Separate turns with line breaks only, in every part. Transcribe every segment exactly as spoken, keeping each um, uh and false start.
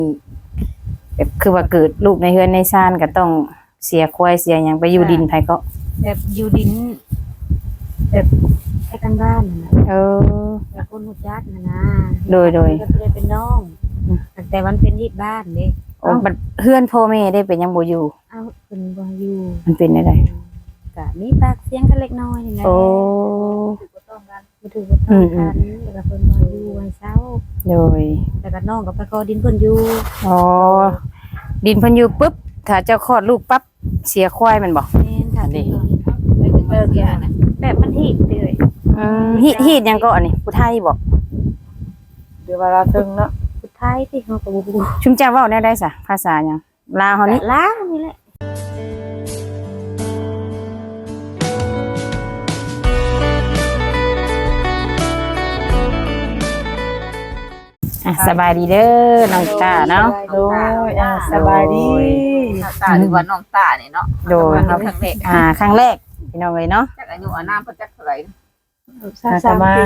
แบบคือว่าเกิดลูกในเฮือนในชานก็ต้องเสียควายเสียหยังไปอยู่ดินไผก็
แบบอยู่ดินแบบให้กันบ้านนะ
เออ
แบบคนหูจักนะนะ
โดยโดย
ก็เลยเป็นน้องแต่มันเป็นที่บ้านเด้
โอ้บัดเฮือนพ่อแม่ได้เป็นยังบ่อยู่
เอาเพิ่นบ่อยู่
มันเป็นได้
ก็มีปากเสียงกันเล็กน้อยนี่แหละ
โอ้
ถือบ่ต้องกันบ่ถือบ่ต้องกันแล้วก็เพิ่นบ่อยู่วันเช้า
โดย
แล้วก็น้องก็ไปขอดินเพิ่นอยู่
อ๋อดินเพิ่นอยู่ปุ๊บถ้าเจ้าคลอดลูกปั๊บเสียควายมันบ่
แม่นค่ะนี่ไปถึงเลิกยาน่ะแบบมันฮีดเลย
อืมฮีดฮีดหยังก็อันนี้ผู้ไทยบ่
เดี๋ยวเวลาถึงเนาะ
ผู้ไทยที่เฮาก็บ่รู้
ชุมเจ้าเว้าแนวใดซะภาษาหยังลาวเฮานี่
ลาวนี่แหละ
อ่ะสบายดีเด้อน้องตาเนาะ
โดยอ่ะสบายดี
น้องตาหรือว่าน้องตาเนี่ยเนาะ
โดย
ครั้งแรก
อ่าครั้งแรกพี่น้องเลยเนาะ
จากอายุอาน้ำเพิ่นจักเท่าไหร่
สามา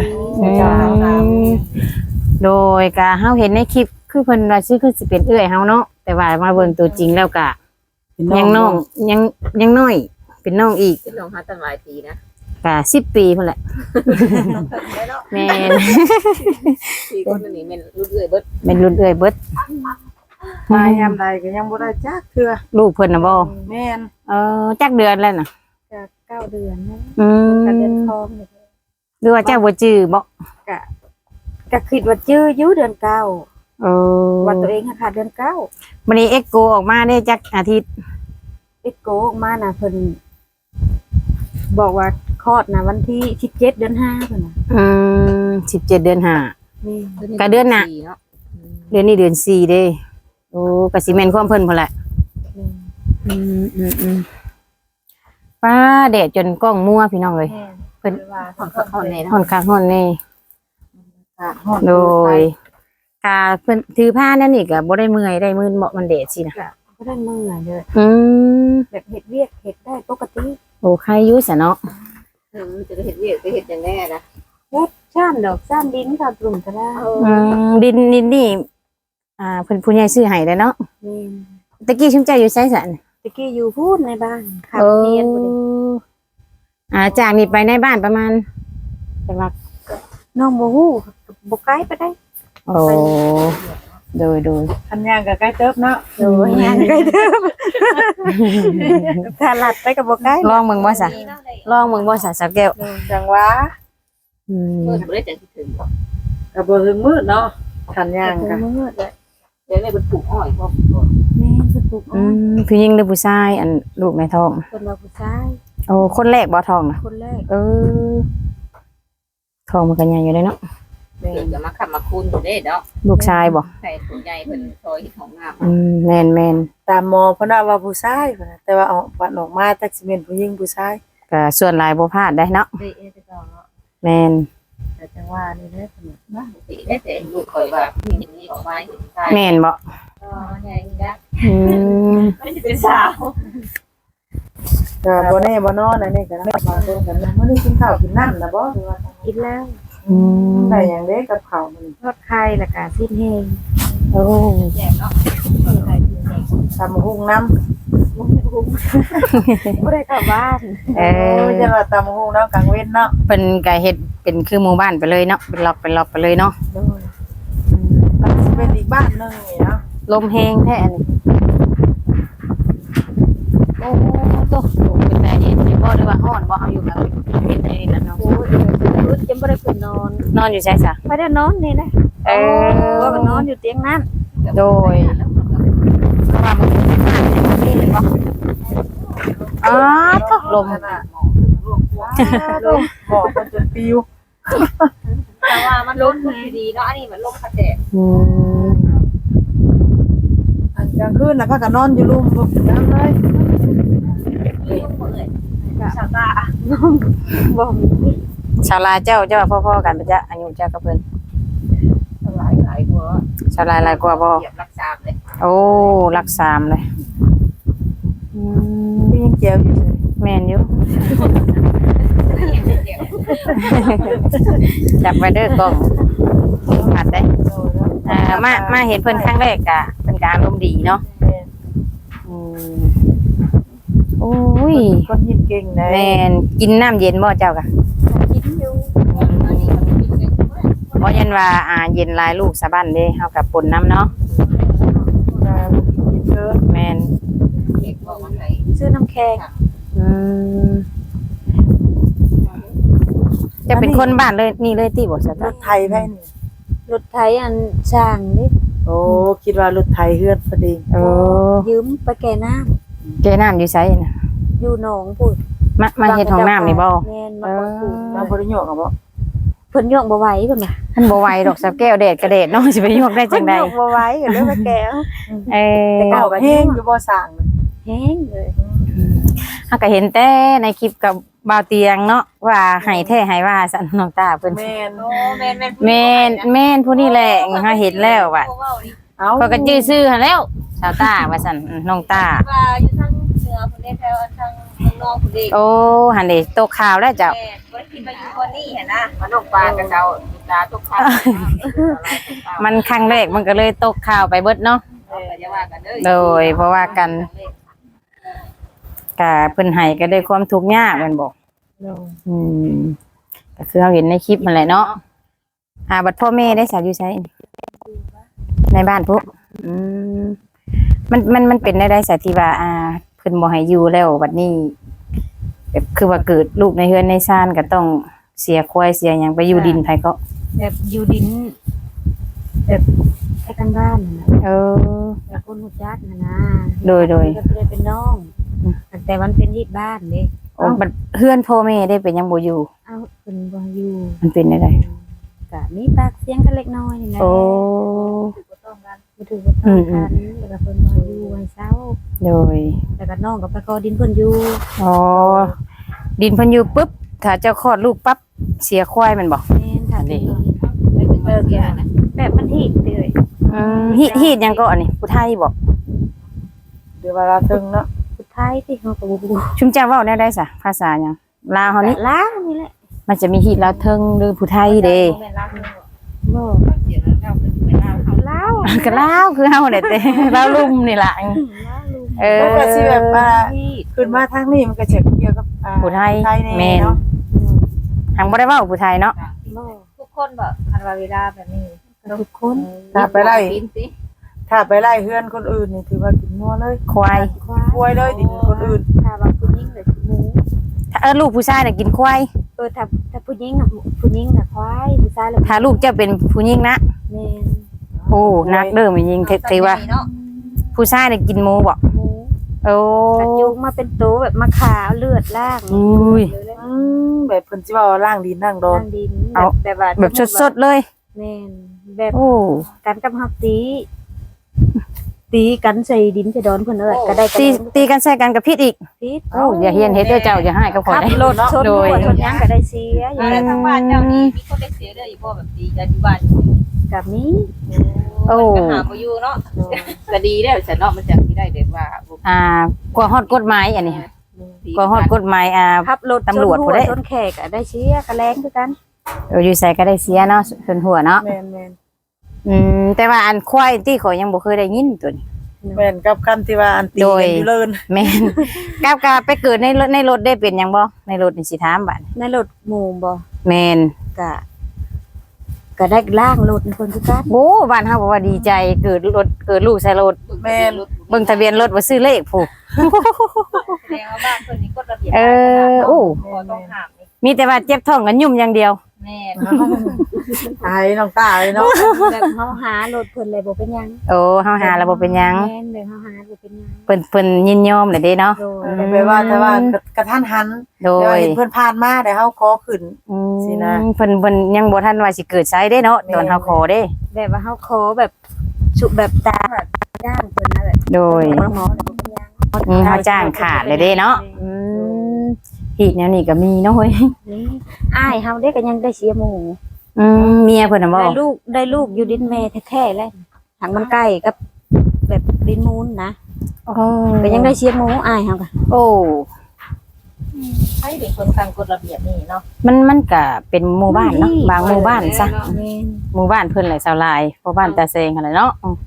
โดยกะเฮาเห็นในคลิปคือเพิ่นว่าชื่อคือสิเป็นเอื้อยเฮาเนาะแต่ว่ามาเบิ่งตัวจริงแล้วกะยังน้องยังยังน้อยเป็นน้องอีก
เป็นน้องหาตั้งหลายปีนะ
กะสิบปีพุ่นแหละแม่น
สี่คนนี่แม่นรุ่นเอื้อยเบิด
แม่นรุ่นเอื้อยเบิด
มายามใดก็ยังบ่ได้จักเทื่อ
ลูกเพิ่นน่ะบ่
แม่น
เออจักเดือนแล้วน่ะ
ก็เก้าเดือนนะ
อืม
ก็เดือนทองนี่
หรือว่าเจ้าบ่จื้อบ่
ก็ก็คิดว่าจื้ออยู่เดือนเก้า
เออ
ว่าตัวเองค่ะเดือนเก้า
มื้อนี้เอ็กโกออกมาได้จักอาทิตย์
เอ็กโกออกมาน่ะเพิ่นบอกว่าคลอดน่ะวันที่สิบเจ็ดเดือนห้าเพิ่นน่ะ
อืมสิบเจ็ดเดือนห้า
นี่
ก็เดือนน่ะเดือนนี้เดือนสี่เด้โอ้ก็สิแม่นความเพิ่นพุ่นแหละอืมอืมอืมป้าแดดจนกล้องมัวพี่น้องเอ้ยเพิ่น
ฮ้อนคักฮ้อนแน่เนาะ
ฮ้อนคักฮ้อนแน่โดยกาเพิ่นถือผ้านั่นนี่ก็บ่ได้เมื่อยได้มื้นเหมาะมันแดดสินะ
ก็ได้เมื่อยเลย
อืม
แบบเฮ็ดเวียกเฮ็ดได้ปกติ
โอ้ใครอยู่ซะเนาะ
เออจะเฮ็ดเวียกไปเฮ็ดจังแน่นะ
เฮ็ดชานดอกชานดินค่ะปรุงก็ได้
อืมดินดินนี่อ่าเพิ่นผู้ใหญ่ซื้อให้แล้วเนาะ
นี่
ตะกี้ชุมใจอยู่ไสซั่น
ตะกี้อยู่พูดในบ้านค่ะเรียนบ่ได้
อ่าจากนี้ไปในบ้านประมาณจังหวัด
น้องบ่ฮู้บ่ไกลไปได้
โอ้โดยโดย
คันย่างก็ใกล้เติบเนาะ
โดยย่างใกล้เติบถ้าลัดไปก็บ่ไกล
ลองเบิ่งบ่ซะลองเบิ่งบ่ซะสักแก้ว
จังหวะ
อืม
เพิ่นบ่ได้จังสิถึงบ่
ก็บ่ถึงมื้อเนาะคันย่างก็
มื้อเลย
เดี๋ยวนี้เพิ่นปลูกอ้อยพร้อม
แม่เพิ่นปลูกอ้
อื
อย
มผู้หญิงหรือผู้ชายอันลูกในท้อง
เพิ่นว่าผู้ชาย
โอ้คนแรกบ่ท้องน่ะ
คนแรก
เออท้องมันก็ใหญ่อยู่เลยเนาะ
เพิ่นจะมาขับมาคูนอยู่เด้เนาะ
ลูกชายบ่
ใช่ผู้ใหญ่เพิ่นซอยเฮ็ดของงาม
อืมแม่น
ๆตามหมอเพิ่นว่าว่าผู้ชายเพิ่นแต่ว่าออกวันออกมาจักสิเป็นผู้หญิงผู้ชาย
ก็ส่วนหลายบ่พลาดได้เนาะ
ได้เอจะต้องเนาะ
แม่น
แต่จังว่านี่เด้อเพิ่นว่า
สิได้แต่ลูกข่อยว่าเห็นนี่ออกมาเห็นชาย
แม่นบ่
อ๋อใหญ่จ้ะ
อืม
มันสิเป็นสาว
ก็บ่แน่บ่นอนอันนี้ก็มาเบิ่งกันมื้อนี้กินข้าวกินน้ำน่ะบ่
กินแล้ว
อืม
ได้หยังเด้กับข้าวมื้อ
ทอดไข่แล้วก็สิ้นแห้ง
โอ้
แย่เนาะไข่สิ้นแห้ง
ตำหุ่งน้ำ
บ่ได้กลับบ้าน
เออ
จะว่าตำหุ่งน้ำกลางเว้นเนาะ
เพิ่นก็เฮ็ดเป็นคือหมู่บ้านไปเลยเนาะเป็นล็อกเป็นล็อกไปเลยเนาะ
โดย
มันสิเป็นอีกบ้านนึงนี่เนาะ
ลมแห้งแท้อันนี้โอ้โตเป็นแต่เย็นอยู่บ่หรือว่าร้อนบ่เฮาอยู่แบบเป็นในนั้นเนาะ
โอ้ยรุดยังบ่ได้เพิ่นนอน
นอนอยู่ไสซะ
ไม่ได้นอนนี่นะ
เออ
ว่าก็นอนอยู่เตียงนั้น
โดยเพราะว่ามันเป็นบ้านนี่เลยบ่อ๋อตกลม
ลมบอกมันจนปิว
แต่ว่ามันลมดีเนาะอันนี้มันลมกระแทก
อืม
อันกลางคืนน่ะพากันนอนอยู่รูมบ่จังเลย
ชาวตา
บ่มี
ชาวลาเจ้าเจ้าพ่อๆกันปะจ๊ะอายุเจ้ากับเพิ่น
หลายหลายกว่า
ชาวลาหลายกว่าบ่
รักษาเลย
โอ้รักสามเลยอืม
พี่ยังเจียวอยู่เลย
แม่นอยู่จับไว้เด้อกล้องอัดได้อ่ามามาเห็นเพิ่นครั้งแรกกะเพิ่นการอารมณ์ดีเนาะ
แม่น
อืมโอ้ย
คนยิ้มเก่งนะ
แม่นกินน้ำเย็นบ่เจ้ากะ
กินอยู่
บ่ยันว่าอ่าเย็นหลายลูกสะบั้นเด้เฮากับปนน้ำเนาะ
ว่ากินเยอะ
แม่น
ซื้อน้ำแข็ง
อืมจะเป็นคนบ้านเลยนี่เลยติบ่ซะ
ร
จ้ะ
ถไทยไผนี่
รถไถอันช่างนี่
โอ้คิดว่ารถไทยเฮือนพอดี
โอ้
ยืมไปแก่น้ำ
แกน้ำอยู่ไสน่ะ
อยู่หนองพุ่น
มามาเฮ็ดห้องน้ำนี่บ่
แม่นมาบ่ถูก
มาบ่ได้โยกอ่ะบ่
เพิ่นย่องบ่ไหวเพิ่นน่ะ
มันบ่ไหวดอกสับแก้วแดดกระเดดเนาะสิไปยกได้จังได๋
เพิ่นย่องบ่ไหวก็เลยมาแก่
เออ
แต่ก็
เอาแห้งอยู่บ่สร้างเลย
แห้งเลย
เฮาก็เห็นแต่ในคลิปกับบ่าวเตียงเนาะว่าให้แท้ให้ว่าซั่นน้องตาเพิ่น
แม่น
โอ้แม่นแม่น
แม่นแม่นผู้นี้แหละเฮาเห็นแล้วว่า
เอา
เขาก็ชื่อชื่อหั่นแล้วสาวตาว่าซั่นน้องตา
ว่าอยู่ทางเหนือพุ่นเด้แถวทางนอกพุ่นเด้
โอ้หั่นเด้ตกข่าวแล้วเจ้า
แม่บ่ได้คิดว่าอยู่คนนี้เห็นนะมันนกปลากระเจ้าตาตกข้าว
มันครั้งแรกมันก็เลยตกข่าวไปเบิดเนาะ
อย่าว่ากันเด้อ
โดยเพราะว่ากันก็เพิ่นให้ก็ได้ความทุกข์ยากแม่นบ่ อืมก็คือเราเห็นในคลิปมันแหละเนาะหาบัตรพ่อแม่ได้สาวอยู่ใช้ในบ้านพวกอืมมันมันมันเป็นได้ได้สาธิว่าอ่าเพิ่นบ่ให้อยู่แล้วบัดนี้แบบคือว่าเกิดลูกในเฮือนในซ่านก็ต้องเสียควายเสียหยังไปอยู่ดินไผก็
แบบอยู่ดินแบบไปทางบ้านน่ะ
เออ
แบบคนฮู้จักน่ะนะ
โดยโดย
ก็เลยเป็นน้องแต่มันเป็นที่บ้านเด้
โอ้บัดเฮือนพ่อแม่ได้เป็นหยังบ่อยู่
เอ้าเพิ่นบ่อยู่
มันเป็นได้ได
ก็มีปากเสียงกันเล็กน้อยนี่แหละ
โอ้
บ่ต้องกันบ่ถือว่าต้องกันแล้วก็เพิ่นบ่อยู่ให้เศร้า
โดย
แล้วก็น้องก็ไปขอดินเพิ่นอยู่
อ๋อดินเพิ่นอยู่ปุ๊บถ้าเจ้าคลอดลูกปั๊บเสียควายแมันบ่
แม่นค่ะนี่เลิกยาน่ะแบบมันฮีดเลย
อืมฮีดฮีดหยังก็อันนี้ผู้ไทยบ่
เดี๋ยวเวลาถึงเนาะ
สุดท้ายที่เฮาก็บ่รู้
ชุมเจ้าเว้าได้ได้ซะภาษาหยังลาวเฮานี่
ล้างนี่แหละ
มันจะมีฮีดลาวเทิงหรือผู้ไทยเด้
บ่
เสียงแล้วเป็นเป็นลาวเขา
ล้าว
ก็ลาวคือเฮาได้แต่ ลาวลุ่มนี่ล่ะเออ
แล้วก็สิแบบว่า
ฮีด
ขึ้นมาทางนี้มันก็จะเกี่ยวกับอ่า
ผู้ไทย
ไทย
แม่
แน่
น
เนาะ
ทางบ่ได้เว้าผู้ไทยเนาะ
บ่
ทุกคนแบบคันว่าเวลาแบบนี้
ทุกคน
ถ้าไปไล่
กินสิ
ถ้าไปไล่เฮือนคนอื่นนี่ถือว่ากินงัวเลย
ควาย
ควาย
ป่วยเลยดินคนอื่น
ถ้าว่าผู้หญิงน่ะหมู
ถ้าเออลูกผู้ชายน่ะกินควาย
เออถ้าถ้าผู้หญิงน่ะผู้หญิงน่ะควายผู้ชายน่ะ
ถ้าลูกเจ้าเป็นผู้หญิงนะ
แม่น
โอ้นักเด้อแม่ยิงเทถือว่า
เนาะ
ผู้ชายน่ะกินหมูบ่
หมู
โอ้
กระจุกมาเป็นโตแบบมาขาวเลือดล่าง
อุ้ย
อืมแบบเพิ่นสิว่าล่างดินนั่งโดน
ล่างดิน
เอา
แบบว่า
แบบสดๆเลย
แม่นแบบ
โอ้
กันกับฮักตี ตีกันใส่ดินใส่ดอนเพิ่นเอ้ยก็ได้กัน
ตีตีกันใส่กันกับพิษอีก
พิษ
โอ้อย่าเฮียนเฮ็ดเด้อเจ้าอย่าให้กับข่อย
ขับ
ได้
รถชน
โด
หั
ย
วชนหยังก็ได้เสียอ
อยู่
ยู่
ในทางบ้านเจ้านี่มีคนได้เสียเด้ออีพ่อแบบดีกันอยู่บ้าน
กับมี
โอ้
ปัญหาบ่อยู่เนาะก็ดีแล้วฉันเนาะมันจะสิได้แบบว่า
อ่ากว่าฮอดกฎหมายอันนี้กว่าฮอดกฎหมายอ่า
ขับรถ
ตำรวจ
ชน
ผู้
หัว
ใด
ชนแขกก็ได้เสียก็แรงคือกัน
เอออยู่ใส่ก็ได้เสียเนาะส่วนหัวเนาะ
แม่นแม่น
อืมแต่ว่าอันควายที่ข่อยยังบ่เคยได้ยินตัวนี้
แม่นกับคำที่ว่าอันตี
โดย
กันอยู่เลิน
แม่น กาบกาไปเกิดในรถในรถได้เป็นหยังบ่ในรถนี่สิถามบัด
ในรถหมู่บ่
แม่น
ก็ก็ได้ล่างรถคนคือกัน
โอ้บ้านเฮาบอกว่าดีใจเกิดรถเกิดลูกใส่รถ
แม่น
เบิ่งทะเบียนรถบ่ซื้อเลขผู้
แสดงว่าบ้านเพิ่นนี่กฎระเบียบ
เออโอ้
ต้องห้ามนี่
มีแต่ว่าเจ็บท้องกันยุ่มอย่างเดียว
แม่
ตายน้องตาเลยเนาะ
แบบเฮาหารถเพิ่นเลยบ่เป็นหยัง
โอ้เฮาหาแล้วบ่เป็นหยัง
แม่นเลยเฮาหาบ่เป็นหยัง
เพิ่นเพิ่นยินยอมเลยเด้เนาะ
โดย
แปลว่าแต่ว่ากระทันหัน
โด
แต่ว่าย เห็นเพิ่นผ่านมาแต่เฮาขอขึ้น
อืม
สินะ
เพิ่นเพิ่นยังบ่ทันว่าสิเกิดไสเด้เนาะ
แม่
ตอนเฮาขอเด้
แบบว่าเฮาขอแบบสุแบบตาจ้างเพิ่นนั่นแหละ
โดย
หมอหมอเลยบ่เป็นหยัง
อืมเฮาจ้างขาดเลยเด้เนาะอืมฮีดแนวนี้ก็มีเนาะเฮ้ย
นี่อ้ายเฮาเด้ก็ยังได้เสียหมู่
อืมเมียเพิ่นน่ะบ่
ได้ลูกได้ลูกอยู่ดินแม่แท้ๆเลยทางมันใกล้กับแบบดินมูลนะ
โอ้
ก็ยังได้เสียหมู่อ้ายเฮาก็
โอ้
ให้เป็นคนทางกฎระเบียบนี่เนาะ
มันมันก็เป็นหมู่บ้านเนาะบางหมู่บ้านซะ
แม่น
หมู่บ้านเพิ่นแหละชาวลายเพราะบ้านตาเซงหั่นแหละเนาะอืม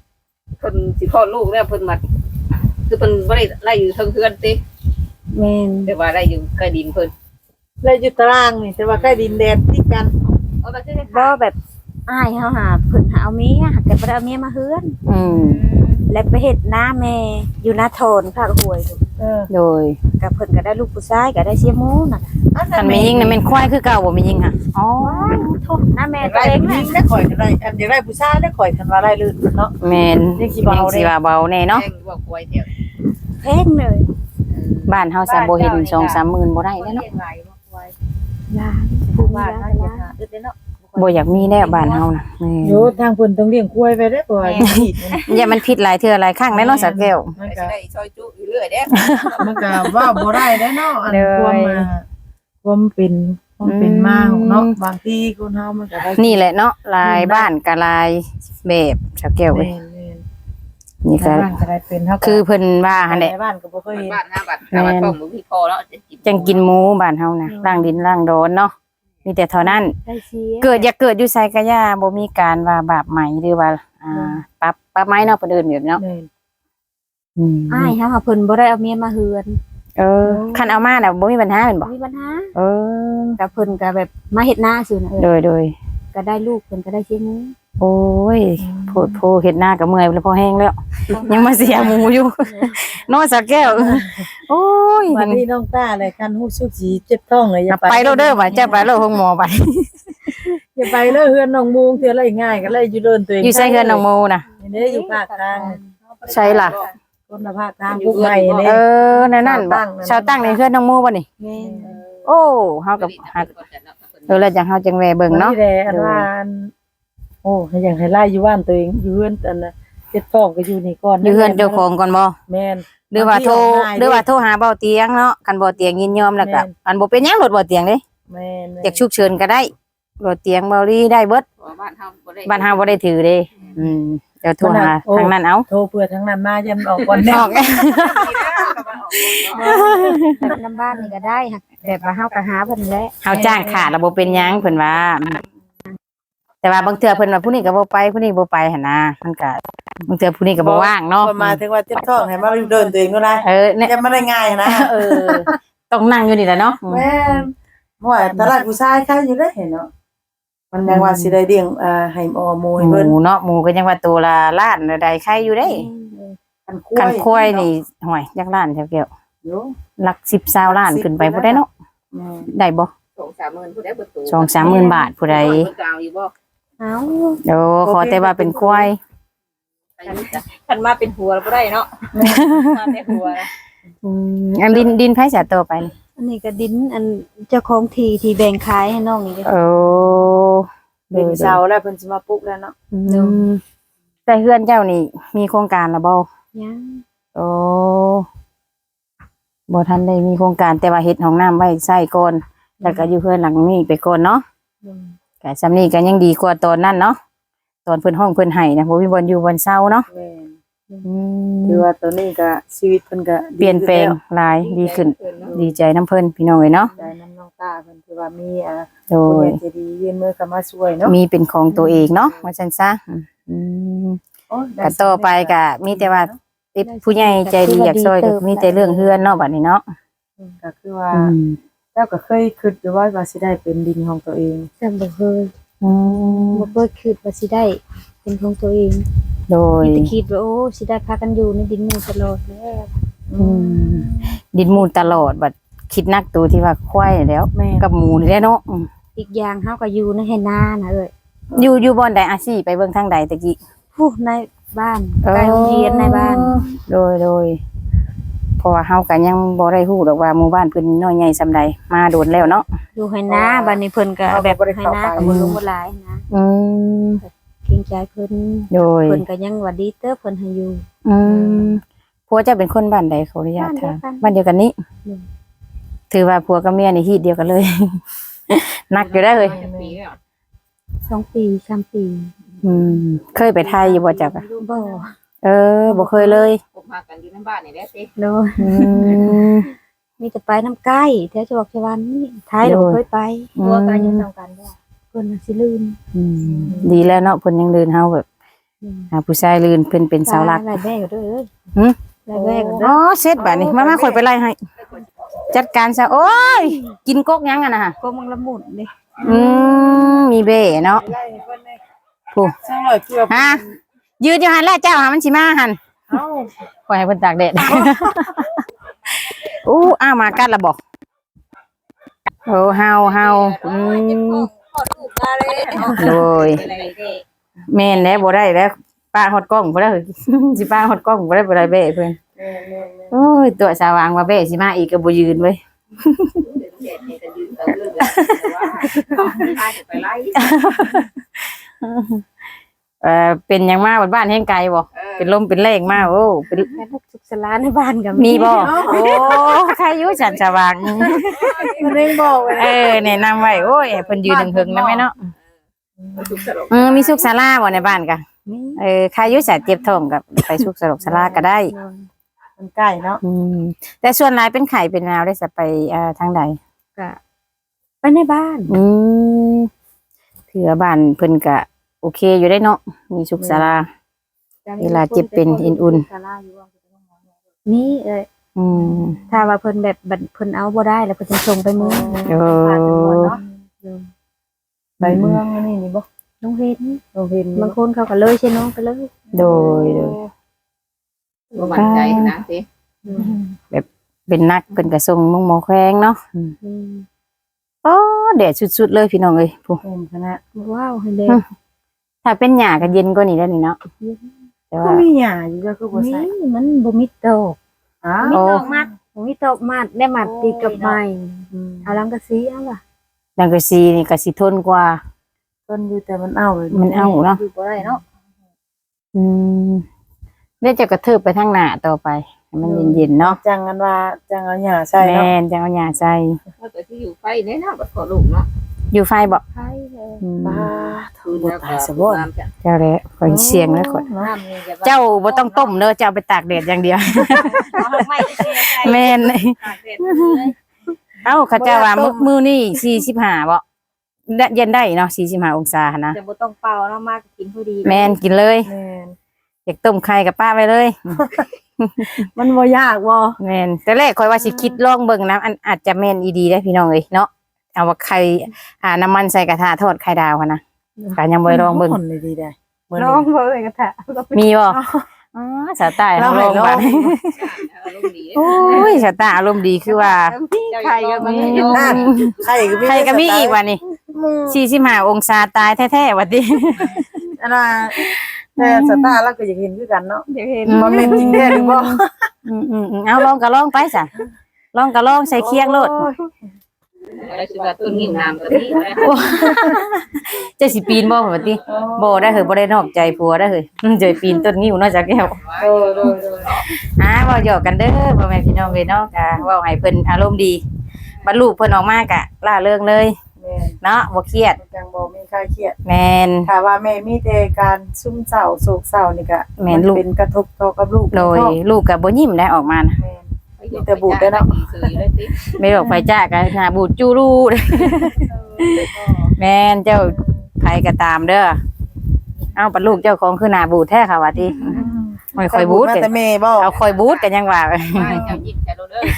เพิ่นสิคลอดลูกแล้วเพิ่นมาคือเพิ่นบ่ได้ไล่อยู่เทิงเฮือนติ
แม่น
แต่ว่าไล่อยู่ใกล้ดินเพิ่น
เลยอยู่ตารางนี่แต่ว่าใกล้ดินแดนติดกัน
เอาแบบนี้
บ่แบบอ้ายเฮาหาเพิ่นหาเอาเมียหักแต่บ่ได้เอาเมียมาเฮือน
อืม
และไปเฮ็ดนาแม่อยู่นาโทนภาคห้วย
เออ
โดย
ก็เพิ่นก็ได้ลูกผู้ชายก็ได้เสียหมูน่ะ
คันแม่ยิงน่ะแม่นควายคือเก่าบ่แม่ยิงค่ะอ๋อ
โทษนาแม่
แต่
ตัว
ได้
เอง
ผู้ห
น่ะ
ญิงได้ข่อยกันได้อันอยากได้ผู้ชายได้ข่อยกันว่าได้ลื่นเนาะ
แม่น
ยังสิเบาเด้
ยังสิว่าเบาแน่เนาะ
แจ้งว่าป่วยเดียว
แพงเลย
บ้านเฮาซะบ่เห็น สองสามหมื่นบ่ได้แล้วเนาะ
หลายบ่ป่วย
ยาผู้บ้านเฮา
เฮา
จะ
จะหาอึดเด้เนาะ
บ่อยากมีแล้วบ้านเฮาน่ะแม่
โยทางเพิ่นต้องเลี้ยงกล้วยไปได้บ่ว่าผิดมัน
อย่ามันผิดหลายเทื่อหลายครั้งแน่เนาะสักแก้ว
มัน
สิ
ก็
ได้ซอยจุอยู่เรื่อยเด้
มันก็ว่าบ่ได้ได้เนาะอัน
เลย
ความมาความเป็นความเป็นมาของเนาะบางทีคนเฮามันก็ได้
นี่แหละเนาะลายบ้านกับลายแบบสักแก้วเว้ย
แม่น
นี่
ๆ
ก็
บ้านก็ได้เป็นเฮาก็
คือเพิ่นว่าหั่นแหละ
ในบ้านก็บ่เคยเห็น
บ้านหน้าบ้านถ้าว่าท้องบ่มีพอแล้วจะกิน
จังกินหมูบ้านเฮานะล่างดินล่างโดนเนาะมีแต่เท่านั้น
ได้เสีย
เกิดอย่าเกิดอยู่ไสกะย่าบ่มีการว่าบาปใหม่หรือว่าอ่าปรับปรับไม้เนาะเพิ่นเอิ้นแบบเนาะ
แม่น
อืม
อ้ายเฮาหาเพิ่นบ่ได้เอาเมียมาเฮือน
เออคันเอามาน่ะบ่มีปัญหาแม่นบ่
มีปัญหา
เออ
ก็เพิ่นก็แบบมาเฮ็ดนาซื่อน่ะเอ
โด
อย
โดย
ก็ได้ลูกเพิ่นก็ได้เสียหมู
โอ้ยโพดโพเฮ็ดหน้าก็เมื่อยแล้วพอแห้งแล้ว ยังมาเสียหมูอยู่ เนาะสักแก้วโอ้ย
วันนี้น้องต้าเลยคันฮู้สึกสิเจ็บท้องเลยอย่า
ไปโลดเด้อว่าจะไปโลดห้องหมอไป
อย่าไปเลยเฮือนน้องมูงเทื่อไรง่ายก็เลยอยู่เดินตัวเอง
อยู่ไสเฮือนน้องโมน่ะ
นี่อยู่ภาคกลาง
ใช่ล่ะ
คนละภาคกลางพวกใหม่นี่
เออนั่นนั่นบ่ชาวตั้งในเฮือนน้องโมบ่นี่
แม่น
โอ้เฮากับหักเออแล้วจังเฮาจังแวเบิ่งเนาะ
แหละอันว่าอันโอ้ให้อย่างให้ไล่อยู่บ้านตัวเองอยู่เฮือนอันน่ะเจ็บท้องก็อยู่นี่ก่อน
อยู่เฮือนเจ้าของก่อนบ่
แม่น
หรือว่าโทรหรือว่าโทรหาเบาเตียงเนาะคันเบาเตียงยินยอมแล้วก็อันบ่เป็นหยังรถเบาเตียงเด้
แม่น
อยากฉุกเฉินก็ได้เบาเตียงเบาลีได้เบิด
บ้านเฮาบ่ได้
บ้านเฮาบ่ได้ถือเด้ อืมเดี๋ยวโทรหาทางนั้นเอา
โทรเพื่อทั้งนั้นมายันออกก่อน
อ
แน่
อก
แบบน้ำบ้านนี่ก็ได้หักแบบว่าเฮาก็หาเพิ่นแหละ
เฮาจ้างขาดแล้วบ่เป็นหยังเพิ่นว่า แต่ว่าบางเทื่อเพิ่นว่าผู้นี้ก็บ่ไปผู้นี้บ่ไปหั่นนะมันก็บางเทื่อผู้นี้ก็บ่ว่างเนาะ
คนมาถึงว่าเจ็บท้องให้มาเดินตัวเองก็ได้
เออเนี่ย
จะไม่ได้ง่ายนะ
เออต้องนั่งอยู่นี่แหละเนาะ
แม่นว่าตลาดผู้ชายใครอยู่ได้เห็นเนาะมันยังว่าสิได้เลี้ยงอ่าให้ออหมูให้
ห
เพิ่น
มูเนาะหมูก็ยังว่าตัวละล้านละใดใครอยู่ได้
คัน
คันควายนี่ห่วยจักล้านแถวเกี่ยว
อยู่
หลักสิบสาวล้านขึ้นไปผู้ใดเนาะ
แม่น
ได้บ่
สองสามหมื่นผู้ใดเบิดตัว
สองสามหมื่นบาทผู้ใด
เพิ่นก็เอาอยู่บ่
เอ้า
เดี๋ยวขอแต่ว่าเป็นควาย
คันมาเป็นหัวบ่ได้เนาะมาแต่หัว
อืมอันดินดินไผสะตัวไปนี่
อันนี้ก็ดินอันเจ้าของที่ที่แบ่งขายให้น้องนี่ก็
โอ้
เป็นเสาแล้วเพิ่นสิมาปลุกแล้วเนาะ
อืมแต่เฮือนเจ้านี่ มีโครงการแล้วบ่
ยัง
โอ้บ่ทันได้มีโครงการแต่ว่าเฮ็ดห้องน้ำไว้ใช้ก่อนแล้วก็อยู่เฮือนหลังนี้ไปก่อนเนาะ ก็ซำนี้ก็ยังดีกว่าตอนนั้นเนาะตอนเพิ่นห้องเพิ่นให้นะบ่มีบ่อนอยู่บ่อนเซาเนาะ
แม่น
อืม
คือว่าตัวนี้ก็ชีวิตเพิ่นก็
เปลี่ยนแปลงหลายดีขึ้น ดีใจน้ำเพิ่นพี่น้องเอ้ยเนาะ
ใจน้ำน้องตาเพิ่นคือว่ามีอ่า
โด
ผู้
ย
ใหญ่ใจดียื่นมือเข้ามาช่วยเนาะ
มีเป็นของตัวเองเนาะว่าซั่นซะอืม
โอ้ยได้
ก็ต่อไปก็มีแต่ว่าติดผู้ใหญ่ใจดีอยากช่วยก็มีแต่เรื่องเฮือนเนาะบัดนี้เนาะ
ก็คือว่า
อืม
เจ้าก็เคยคิดอยู่ว่าว่าสิได้เป็นดินของตัวเอง
จำบ่เคย
อืม
บ่เคยคิดว่าสิได้ เป็นของตัวเอง
โดย
มีแต่คิดว่าโอ้สิได้พากันอยู่ในดินนี้ตลอดแล้ว
อืมดินมูลตลอดบัดคิดนักตัวที่ว่าควายแล้ว
แม่
กับหมูนี่แหละเนาะอืม
อีกอย่างเฮาก็อยู่ในให้นานะเอ้ย
อยู่อยู่บ่อนใดอาชีพไปเบิ่งทางใดตะกี้
ผู้ในบ้านใกล้โรงเรียนในบ้าน
โดยโดยเพราะว่าเฮาก็ยังบ่ได้ฮู้ดอกว่าหมู่บ้านเพิ่นน้อยใหญ่ซำใดมาโดนแล้วเนาะ
อยู่ให้นาบ้านนี้เพิ่นก็แบบให้นาก็บ่ลงบ่หลายนะ
อืม
เกรงใจเพิ่น
โดย
เพิ่นก็ยังว่าดีเด้อเพิ่นให้อยู่
อืมผัวเจะเป็นคนบ้านใดขออนุญาตถามบ้านเดียวกันนี้
อืม
ถือว่าผัวกับเมียนี่ฮีตเดียวกันเลย หนักอยู่ได้เลย
ปีแล้ว
สองปีสามปี
อืมเคยไปไทยอยู่บ่จักอะ
บ่
เออบ่เคยเลย
พบมากันอยู่ในบ้านนี่แหละสิ
โดย
อืม
มีแต่ไปน้ำใกล้แถวจังหวัดชวานนี่ท้ายเรา
โดย
เคยไป
ตัวกันอยู่นํกันบ่
เพิ่นน่ะสิลืม
อืมดีแล้วเนาะเพิ่นยังเดินเฮาแบบหาผู้ชายลื่นเพิ่นเป็นเสาหลัก
ไล่แม่ก็ด้วยเอ้ย
หึ
ไล่แม่ก็ด้
อ๋
ว
อย เสร็จบัดนี้มามาข่อยไปไล่ให้ จัดการซะโอ้ยกินกกยังอ่ะนะ
ก็มังละมุนดิ
อืมมีเบ้เนาะ
ไล่เพิ่นได้
ผู้
ช่างหน่อยเกือบ
ฮะยืนอยู่หันแล้วเจ้าหามันสิมาหัน
เอ้า
ปล่อยให้เพิ่นตากแดด อู้อ้าวมากัดละบอกโอ้เฮาเฮาอืม
ขอลูกมาเลย
โดยแม่นแล้วบ่ได้แล้วป้าฮอดกล้องบ่ได้ สิป้าฮอดกล้องบ่ได้บ่ได้เบ้เพิ่น
แม่นๆ
โอ้ยตัวสว่างว่าเบ้สิมาอีกก็บ่ยืนเว้ย เอ่อเป็นหยังมาบ้านแห่งไกลบ่เป็นลมเป็นแรงมาโอ้เป็น
แม่ลูกสุขสลานในบ้านก็
มีบ่โอ้ใครอยู่ฉันสว่าง
ๆมันเองบอกไว้
เออแนะนำไว้โอ้ยให้เพิ่นยืนหึงๆนะแม่เนาะเออมีสุขศาลาบ่ในบ้านกะ
มี
เออใครอยู่ฉันเจ็บท้องกับไปสุขสลกศาลาก็ได้
มันใกล้เนาะ
อืมแต่ส่วนหลายเป็นไข้เป็นแนวได้สิไปเอ่อทางใด
ก็ไปในบ้าน
อืมเถือบ้านเพิ่นก็โอเคอยู่ได้เนาะมีสุขศาลา เวลาเจ็บเป็นอุ่น
นี่เอ้ย
อืม
ถ้าว่าเพิ่นแบบบัดเพิ่นเอาบ่ได้แล้วเพิ่นจะส่งไปเมือง
โอ้
ไปเมืองอันนี่นี่บ่
น้องเห็น
โรงเรียน
บางคนเขาก็เลยใช่น้องไปเลย
โดยโดย
บ่มั่นใจนะสิ
เป็นนักเป็นกระทรงมุ่งหมอแขวงเนาะอืม
อืม
โอ้แดดสุดๆเลยพี่น้องเอ้ยผู้
เห็นคณะ
ว้าวให้เด็ก
ถ้าเป็นหญ้าก็เย็นกว่านี้แล้วนี่เนาะแต่
ก็
ว่า
มีหญ้าอยู่ก็คือบ่ใส่
นี่มันบ่มีตก
อ้า
มี
ว
ตกมัดบ่มีตกมัดได้มัดติดกับไม้เอาลังกะสีเอาว่ะ
ดังกะซีนี่ก็สิทนกว่า
ต้นอยู่แต่มันเอาเลย
มันเอาเนาะ
อยู่บ่ได้เนาะ
อืมเดี๋ยวจะกระเทิบไปทางหน้าต่อไปให้มันเย็นๆเนาะ
จังกันว่าจังเอาหญ้าใส่
แม่
เนาะ
นจังเอาหญ้าใส่
ว่าแต่ที่อยู่ไฟแน่นอนบ่ขอลูกเนาะ
อยู่ไฟบ่
ใช่เลย
อืม
บ้า
คื
ถู
น
กบ่
แล้ว
ตาย
ก็
ซะบ่
น้ำจ้ะ
เจ้าแล้วข่อยเสียงแล้วข่อย
น้ำนี่จะ
เจ้าบ่ต้องต้มเด้อเจ้าเอาไปตากแดดอย่างเดียว
เอาไม่ใช่ใช่
แม่น
ตากแดดเลย
เอ้าเขาเจ้าว่ามื้อมื้อนี้สี่สิบห้าบ่ได้เย็นได้เนาะสี่สิบห้าองศาหั่นนะ
แต่บ่ต้องเป่าเนาะมากกินพอดี
แม่นกินเลย
แม่น
อยากต้มไข่กับป้าไว้เลย
มันบ่ยากบ่
แม่นแต่แรกข่อยว่าสิคิดลองเบิ่งนะอันอาจจะแม่นอีดีได้อพี่น้องเอ้ยเนาะเอาว่าไข่อ่าน้ำมันใส่กระทะทอดไข่ดาวหั่นนะก็ยังบ่ได้ลองเบิ่ง
คนเลยดีได้เหมือน
น้องบ่เอ้ยกระทะ
มีบ่อ๋อสาวใต้เราลองบัด
อารมณ์ดี
โอ้ยสาวใต้อารมณ์ดีคือว่า
ใครก็มี
นั่นไข่ก็มี
ใครก็มีอีกว่านี่สี่สิบห้าองศาตายแท้ๆว่าติ
อันน่ะแต่สตาร์เราก็อยากเห็นคือกันเนาะ
เดี๋ยวเห็น
บ่แม่นจริงแท้หรือบ่
อืมอืมอืมเอาลองก็ลองไปจ้ะลองก็ลองใส่เคียงโลด
อะไรสิว่าต้นหินน้ำก็มีนะ
เจะสิปีนบ่ว่าติบ่ได้เฮ้ยบ่ได้นอกใจผัวได้เฮ้ยอืมเจอปีนต้นงิ้วเนาะจักแก้ว
เออโดย
อ่าเว้าหยอกกันเด้อพ่อแม่พี่น้องเอ้ยเนาะก็เว้าให้เพิ่นอารมณ์ดีบรรลุเพิ่นออกมาก็ล่าเริงเลย
ๆแม่น
เนาะบ่เครียด
จังบ่มีค่าเครียด
แม่น
ถ้าว่าแม่มีแต่การซุ่มเศร้าโศกเศร้านี่ก็
แม่นลูก
เป็นกระทบต่อกับลูก
โดยลูกก็บ่ยิ้มได้ออกมานะ
แม่น แต่บูดได้เนาะ
ไม่บอกไฟจ้าก็หน้าบูดจูรูเด้อแม่นเจ้าไผก็ตามเด้อเอ้าปัดลูกเจ้าของคือหน้าบูดแท้ค่ะว่าติไม่ค่อยบูด
มา
เด้
แต่แม่บ่
เอาค่อยบูดกันยังว่า
ไม่จะยิ้มแต่เราเด้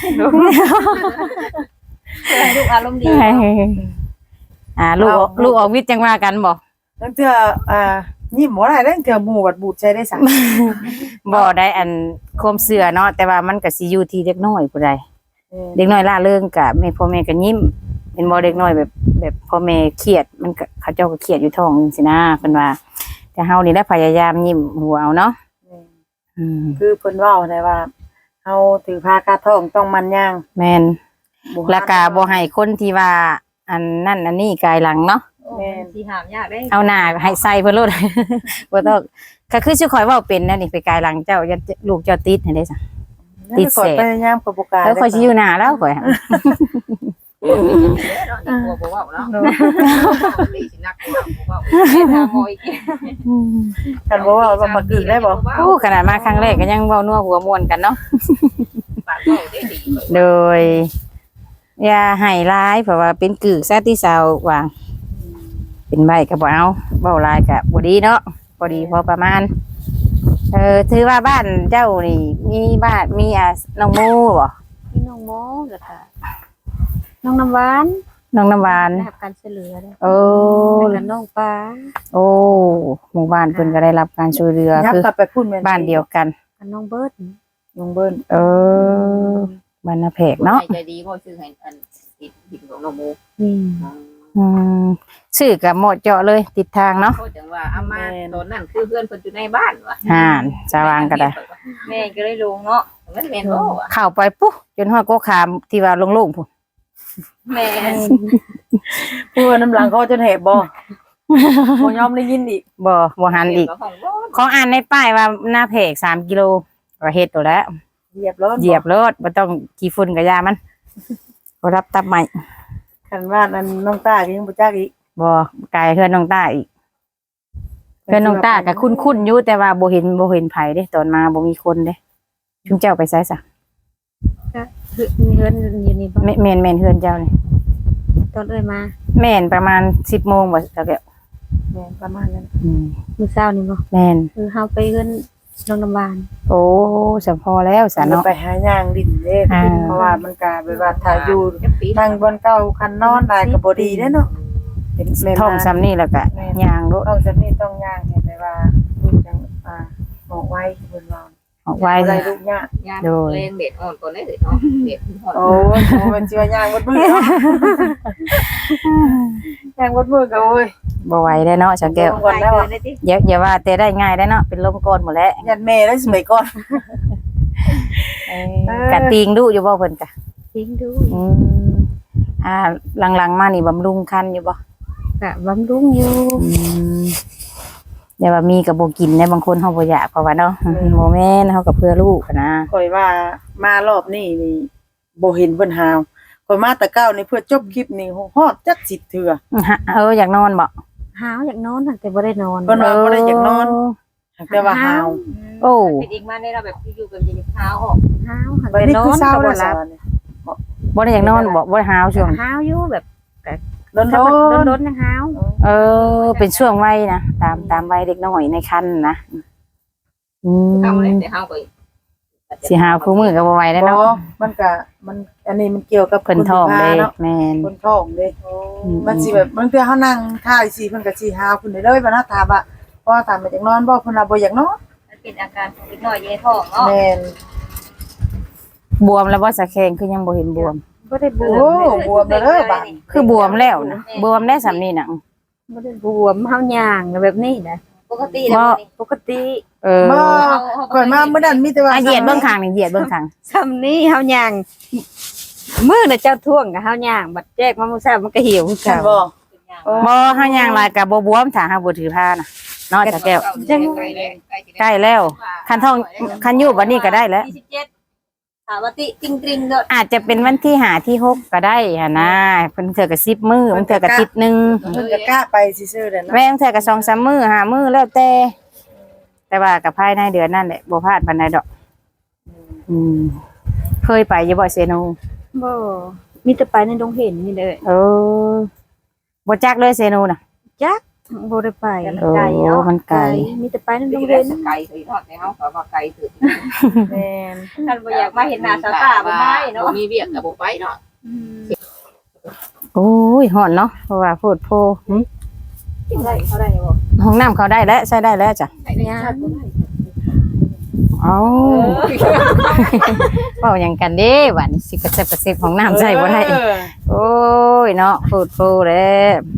อลูกอารมณ์ดี
อ่าลูกลูกออกวิทย์จังว่ากันบ่
ตั้งเทื่ออ่ายิ้มบ่ได้ตั้งเทื่อหมู่บัดบูดใช้ได้สัก
บ่ได้อันความเชื่อเนาะแต่ว่ามันก็สิอยู่ที่เด็กน้อยผู้ใด
เออ
เด็กน้อยล่าเริงก็แม่พ่อแม่ก็ยิ้มเป็นบ่เด็กน้อยแบบแบบพ่อแม่เครียดมันก็เขาเจ้าก็เครียดอยู่ท้องจังซี่นะเพิ่นว่า แต่เฮานี่ได้พยายามยิ้มหัวเอาเนาะ
แม่น
อืม
คือเพิ่นเว้าได้ว่าเฮาถือผ้ากาท้องต้องมันย่าง
แม่น
บ่
แล้วก็บ่ให้คนที่ว่าอันนั่นอันนี้กายหลังเนาะ
แม่น
สีหามยากได้
เอาหน้าให้ใส่เพิ่นโลด บ่ต้องก็คือสิข่อยเว้าเป็นนะนี่ไปกายหลังเจ้าอย่าลูกเจ้าติดให้ได้ซะ ติดเสพ
พยายามกับบ่กล้า
แล้วข่อยสิอยู่หน้าแล้วข่อย
หัวบ่เว้าเนาะตีสินักบ่เว้าบ่เว้าหอยกิน
กันบ่เว้าว่ามากึกได้บ่
โอ้ขนาดมาครั้งแรกก็ยังเว้านัวหัวม่วนกันเนาะ
ปากเว้าได้ดี
โดย อย่าให้ร้ายเพราะว่าเป็นกึกซะที่สาวว่าเป็นใบก็บ่เอาเว้าร้ายก็บ่ดีเนาะพอดีพอประมาณเออถือว่าบ้านเจ้านี่มีบ้านมีอ่ะน้องโมบ่
พี่น้องโมแล้วก็น้องน้ำหวาน
น้องน้ำหวาน
ได้รับการช่วยเหลือเด้อ
โอ้
แล้วก็น้องปลา
โอ้หมู่บ้านเพิ่นก็ได้รับการช่วยเหลือ
ยับ
คือก
ลับไปพุ่นแม่น
บ้านเดียวกัน
กับน้องเบิร์ด
ลุงเบิ้น
เออบ้านนาแพกเนาะ
ใจดีบ่ซื้อให้อันติดดินของน้องโม
นี่
อืมชื่อกับเหมาะเจาะเลยติดทางเนาะ
เขาจังว่าอามาตอนนั้นคือเพื่อนเพิ่นอยู่ในบ้านว่ะ
ห่านสว่างก็ได้
แม่ก็เลยลงเนาะ
มันแม่นบ่ว่ะ
เข้าไปปุ๊บจนฮอดโกขามที่ว่าโล่งๆพุ่น
แม่
พูดว่าน้ำหลังเขาจนแหบบ่บ่ยอมได้ยินอีก
บ่บ่หันอีก
ของบ่
ของอ่านในป้ายว่าหน้าแพกสามกิโลก็เฮ็ดตัวแล้ว
เหยียบแล้ว
เหยียบรถบ่ต้องขี้ฝุ่นกับยามันบ่รับตับใหม่
คันว่านั้นน้องตาก็ยังบ่จักอีก
บ่ไกลเฮือนน้องต้าอีกเฮือนน้องต้าก็คุ้นๆอยู่แต่ว่าบ่เห็นบ่เห็นไผเด้ตอนมาบ่มีคนเด้ชุมเจ้าไปไสซะ
คือเฮือนอยู่นี่บ่
แม่แม่นแม่นเฮือนเจ้านี่
ตอนเอ้ยมา
แม่นประมาณสิบโมงบ่เจ้าแก้ว
แม่นประมาณนั้น
อืม
มื้อเช้านี่บ่
แม่น
คือเฮาไปเฮือนน้องน้ำหวาน
โอ้สำพอแล้วสะ
มัน
เนาะ
ไปหาย่างดินเด้
อ่า
เพราะว่ามันก็แบบว่าถ้าอยู่
จักปี
นั่งบนเก่าคันนอนได้ก็บ่ดีเด้เนาะเป็นแม่
ท้องซ้ำนี่แล้วก็ย่างโลด
ต้องจะมีต้องย่างให้ไปว่าลูกจังอ่าออกไว้เพิ่นว่า
ออกไว้
บ่ได้
ซะ
ลูกยาก
ยามเล่นเด็ดอ่อนก่อนได้เนาะเด็ดอ่อน
โอ้ยโอ้มันสิว่าย่างบดมือเนาะย่างบดมือก็โอ้ย
บ่ไหวได้เนาะจังแก้ว
ก่อนแล้วอะ
อย่าอย่าว่าแต่ได้ง่ายได้เนาะเป็นลมก่อนหมดแล้ว
ยันแม่แล้วสมัยก่อน
กะติงดุอยู่บ่เพิ่นกะ
ทิ้งดู
อืมอ่าหลังๆมานี่บำรุงคันอยู่บ่
ก็บำรุงอยู่
อืมอย่าว่ามีก็บ่กินได้บางคนเฮาบ่อยากเพราะว่าเนาะบ่แม่นเฮาก็เพื่อลูกอะนะ
ข่อยว่ามารอบนี้นี่บ่เห็นเพิ่นหาวข่อยมาแต่เก้านี่เพื่อจบคลิปนี่ฮอดจักสิบเทื่อ
ฮะเอออยากนอนบ่
หาวอยากนอนแต่บ่ได้นอน
เพิ่นว่าบ่ได้อยากนอนแต่ว่าหาว
โอ้
เป็นอีกมาได้เราแบบอยู่แบบยิงเท้าออก
หาวหัน
บัด
ไป
นี้
นอ
คือน เศร้า
ก็
แล้
บ่
ว
หลับ
บ่ได้อยากนอนบ่บ่ได้หาวช่วง
หาวอยู่แบบ
โดน
ถ้า
โด
บ่
น
โดนๆยังหาว
เออ เป็นช่วงวัยนะตามตามวัยเด็กน้อยในคันนะอืม
ทำอะไรแต่เท้าก็
สิหาวคู่มือก็บ่ไหวแล้ว
บ่
เนาะ
มันก็มันอันนี้มันเกี่ยวกับ
เพิ่นท้องเด้
คุณภาพเนาะ
แม่น
คนท้องเด้
อืม
มันสิแบบบางเทื่อเฮานั่งท่าสิเพิ่นก็สิหาวขึ้นได้เลยบ่นะถามว่าพอถามมาจากนอนบ่เพิ่นว่าบ่อยากนอน
มันเป็นอาการนิดหน่อยอยู่ในท้องเนาะ
แม่น
บวมแล้วบ่สะแขงคือยังบ่เห็นบวม
บ่ได้บว
โอ้
ม
บวมแล้วเด้อบาด
คือบวมแล้วนะบวมได้สำนี่น่ะ
บ่ได้บวมเฮาย่างแบบนี้นะ
ปกติ
บ่
ปกติ
เออ
บ่ก่อนมาเมื่อนั้นมีแต่ว่า
อ่ะเหยียดเบื้องข้างนี่เหยียดเบื้องข้าง
ซ้ำนี้เฮาย่างมื้อน่ะเจ้าท่วงกับเฮาย่างบัดแจกมามื้อเช้ามันก็เหี่ยวคือ
ฉั
เก่าน
บ่โอ้
บ่เฮาย่างลายก็บ่บวมถ้าเฮาบ่ถือผ้าน่ะเนาะจ้ะแก้วใกล้แล้วคันท้องคันอยู่บัดนี้ก็ได้แล้ว
ยี่สิบเจ็ดถามว่าติติงตริงเด้อ
อาจจะเป็นวันที่ห้าที่หกก็ได้หั่นนะเพิ่นเทื่อก็สิบมื้อเพิ่นเทื่อก็อาทิตย์หนึง
เพิ่นก็กล้าไปซื่อๆเด้อเนาะ
แม่งเธอกับสองสามมือหามือแล้วแต่แต่ว่ากับภายในเดือนนั่นแหละบ่พลาดปานใดดอก อืมเคยไปอยู่บ่เซโน
บ่มีแต่ไปในดงเห็นนี่เลย
เออบ่จักเลยเซโนน่ะ
จักบ่ได้ไป
โอ้มันไกล
มีแต่ไปในด
ดู
ง
เด่
เห็
น
น
ไก่คือทอดในเฮาก็ว่าไก่ถือ
แม่น
ท่านบ่อยากมาเห็นหน้าสาวตาบ่ได้เนาะ
มีเวียกกับบ่ไปเนาะ
โอ้ยฮ้อนเนาะเพราะว่าโพดโพหึ
กินได้เขาได้บ่
ห้องน้ำเขาได้แล้วใช้ได้แล้วจ้ะ
ย่าง
เอ้าเว้าหยังกันเด้บัดนี้สิกระเซบกระเซบห้องน้ำใช้บ่ได้
เออ
โอ้ยเนาะโพดโพเด้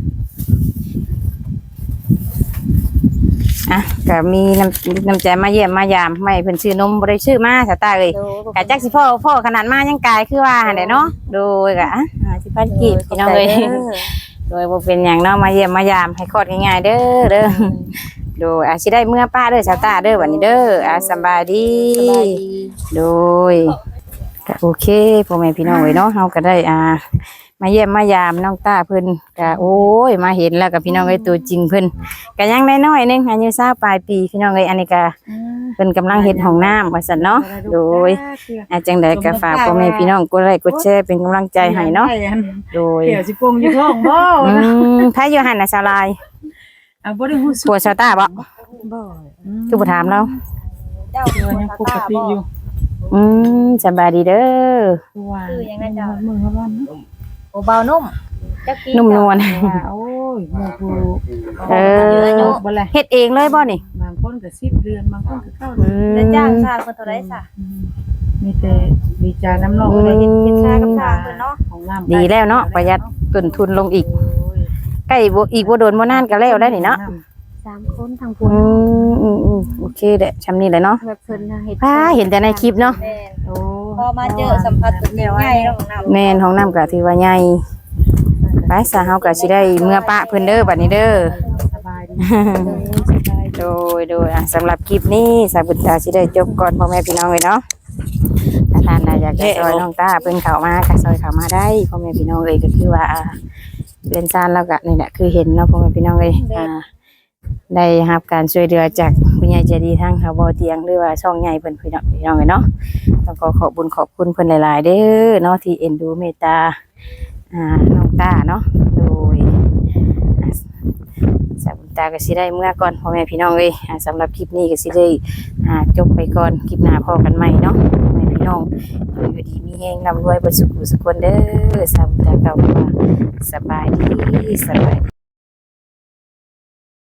อ่ะก็มีน้ำน้ำใจมาเยี่ยมมายามไม่เพิ่นชื่อนมบ่ได้ชื่อมาสตาร์เอ้ย กะจักสิพ่อพ่อขนาดมายังกายคือว่าหั่นแหละเนาะโดยกะอ่าสิพันกีบพี่น้องเอ้ยโดยบ่เป็นหยังเนาะมาเยี่ยมมายามให้คลอดง่ายๆเด้อเด้อโดยอาสิได้เมื่อป้าเด้อสาวตาเด้อบัดนี้เด้ออ่าสำบายดีโดยก็โอเคพ่อแม่พี่น้องเอ้ยเนาะเฮาก็ได้อ่ามาเยี่ยมมายามน้องตาเพิ่นก็โอ้ยมาเห็นแล้วกับพี่น้องเอ้ยตัวจริงเพิ่นก็ยังน้อยๆนึงอายุยี่สิบปลายปีพี่น้องเอ้ยอันนี้ก็เพิ่นกำลังเฮ็ดห้องน้ำว่าซั่นเนาะโดย อาจังใดก็ฝากพ่อแม่พี่น้องกดไลค์กดแชร์เป็นกำลังใจให้เนาะโดย
เดี๋ยวสิปงอยู่ท้องบ่
อืมถ้าอยู่หันน่ะสลาย
อ่ะบ่ได้ฮู้สึก
ผัวชาวตาบ่
บ่
คือบ่ถามเรา
เจ้า
เดี๋ยวยังปกติอยู่
อืมสบายดีเด้อ
ตัว
คือยังไงเจ้า
มือเขาบ้านเนาะ
โอ้เบานุ่มจักปี
นุ่มนวล
ว่าโอ้ยหมู่ผู้
เออ
บ่แล
เฮ็ดเองเลยบ่นี่
บางคนก็สิบเดือนบางคนก็เก้า
อื
เดือน
ม
แล้วจ้างสร้างคนเท่าไรซะ
มีแต่ดีใจน้ำนอง
อืม
เลยเฮ็ด
เฮ็ดชากับทางเพิ่นเนาะ
ของน้ำ
ดีแล้วเนาะประหยัดต้นทุนลงอีก ใกล้บ่อีกบ่โดนบ่นานก็แล้วได้นี่เนาะ
สามคนทาง
อื
พุ่น
มอืมอืมโอเคแหละชำนี้แหละเนาะ
แบบเพิ่นน่ะเฮ็ด
ป้าเห็นแต่ในคลิปเนาะ
แม่น
โอ้
พอมาเจอสัมผัสตัวจริงง่ายเนาะของน้ำ
แม่นห้องน้ำก็ถือว่าใหญ่ไปซะเฮาก็สิได้เมื่อปะเพิ่นเด้อบัดนี้เด้อ
สบายดี
โดยโดยอ่ะสำหรับคลิปนี้สาวบุญตาสิได้จบก่อนพ่อแม่พี่น้องเลยเนาะถ้าท่านน่ะอยากจะซอยน้องตาเพิ่นเข้ามาก็ซอยเข้ามาได้พ่อแม่พี่น้องเอ้ยก็คือว่าอ่าเรียนซานแล้วก็นี่แหละคือเห็นเนาะพ่อแม่พี่น้องเอ้ยอ่าได้รับการช่วยเหลือจากผู้ใหญ่ใจดีทางเขาบ่อเตียงหรือว่าช่องใหญ่เพิ่นพี่น้องพี่น้องเอ้ยเนาะต้องขอขอบคุญขอบคุณเพิ่นหลายๆเด้อเนาะที่เอ็นดูเมตตาอ่าน้องตาเนาะโดย สาวบุญตาก็สิได้เมื่อก่อนพ่อแม่พี่น้องเอ้ยอ่าสำหรับคลิปนี้ก็สิได้อ่าจบไปก่อนคลิปหน้าพอกันใหม่เนาะพ่อแม่พี่น้องอยู่ดีมีแฮงนำรวยบ่สุขสุขคนเด้อสาวบุญตาเก่าว่าสบายดีสบายดี